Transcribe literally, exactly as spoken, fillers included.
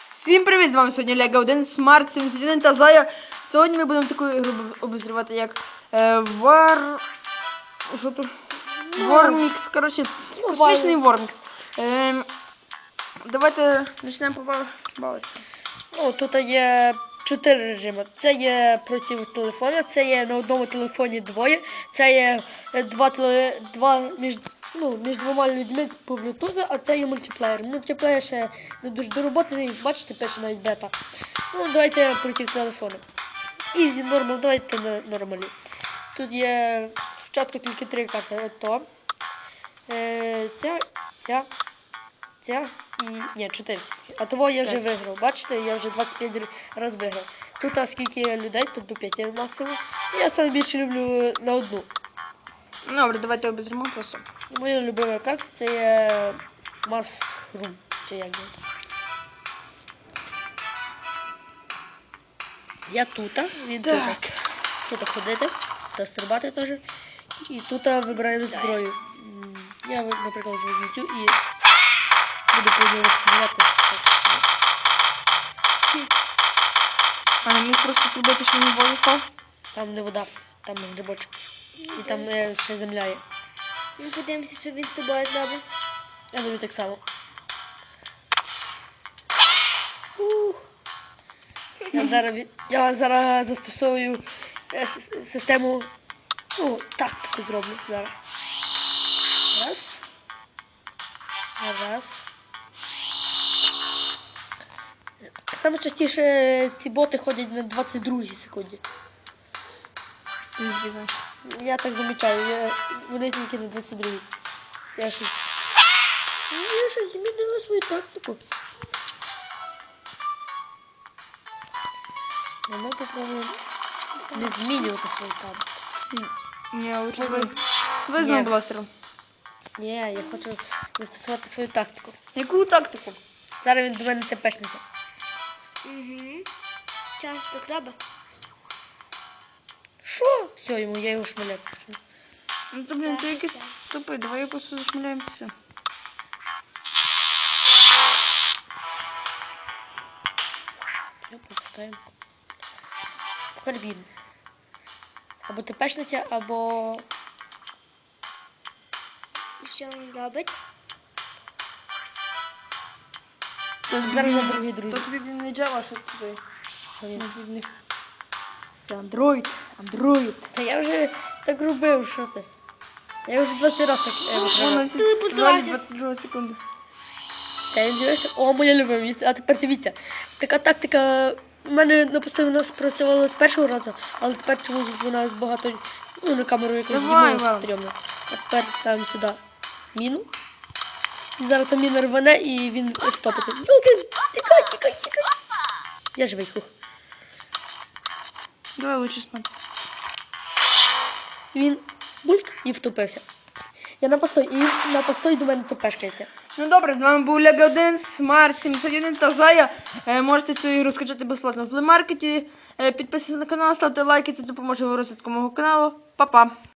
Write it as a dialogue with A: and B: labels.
A: Всім привіт! З вами сьогодні Лего один, Смарт сімдесят один та Зая. Сьогодні ми будемо таку ігру обозрівати, як е, War... Що тут? Вормікс, коротше, космічний Вормікс. Е, давайте почнемо побавитися.
B: Ну, тут є чотири режими. Це є проти телефона, це є на одному телефоні двоє, це є два, теле... два між... Ну, між двома людьми по Bluetooth, а це є мультиплеєр. Мультиплеєр ще не дуже дороботаний, бачите, пише навіть бета. Ну, давайте проти телефону. Easy, нормал, давайте на нормалі. Тут є спочатку тільки три карти. Ото. Е, ця, ця, ця і... Ні, чотири. А того я вже виграв. Бачите, я вже двадцять п'ять разів виграв. Тут а скільки людей, тут до п'яти максимум. Я саме більше люблю на одну.
A: Добре, давайте обозрімо просто.
B: Моя любима карта це є Mushroom, чи як є. Я тут, він тут. Тут ходити, тут стрибати теж. І тут вибираємо зброю. Я, наприклад, візьму цю і буду по нього стріляти.
A: А не міг просто пробити, що він воду став?
B: Там не вода, там грибочок. І там е, ще земля є.
C: Ми подивимося, що він з тобою зробить.
B: Я думаю так само. Я зараз, я зараз застосовую е, систему, ну, тактику зроблю зараз. Раз. Раз. Саме частіше ці боти ходять на двадцять другій секунді.
A: Звісно.
B: Я так замічаю, я, вони тільки на двадцять другій. Я щось... Я щось змінила свою тактику. А ми попробуємо не змінювати свою тактику.
A: Ні, лучше ви... Ви знову бластером.
B: Ні, я хочу застосувати свою тактику.
A: Яку тактику?
B: Зараз він до мене тепешнеться.
C: Угу. Час до краба.
B: Що? Все, йому, я його шмаляю.
A: Ну то, блін, ти якийсь тупий, давай я просто зашмаляємо все.
B: Все, попускаємо. Тепер він. Або тепешниця, або...
C: І що він робить?
B: Зараз на другий друзі.
A: То тобі, блін, не Java, що тобі?
B: Що він?
A: Може, в них... Це Android, Android.
B: Та я вже так робив, що ти? Я вже двадцять разів так е,
A: Вона
C: телепортувався.
A: двадцять друга секунда.
B: Та він дивився, о, моя любима місце. А тепер дивіться, така тактика у мене напевно спрацювала з першого разу, але тепер чомусь вона багато, ну, на камеру якось
A: Давай,
B: знімала
A: Іван.
B: стрьомно. А тепер ставимо сюди міну. І зараз там міна рване і він втопиться. Юлки, тікай, тікай, тікай. Я живий, хух.
A: Давай лучше смотри.
B: Він бульк і втопився. Я на постой, і він на постой до мене топешкається.
A: Ну добре, з вами був Лего один, Смарт сімдесят один та Зая. Е, можете цю ігру скачати безплатно в плеймаркеті. Е, підписуйтесь на канал, ставте лайки, це допоможе в розвитку мого каналу. Па-па!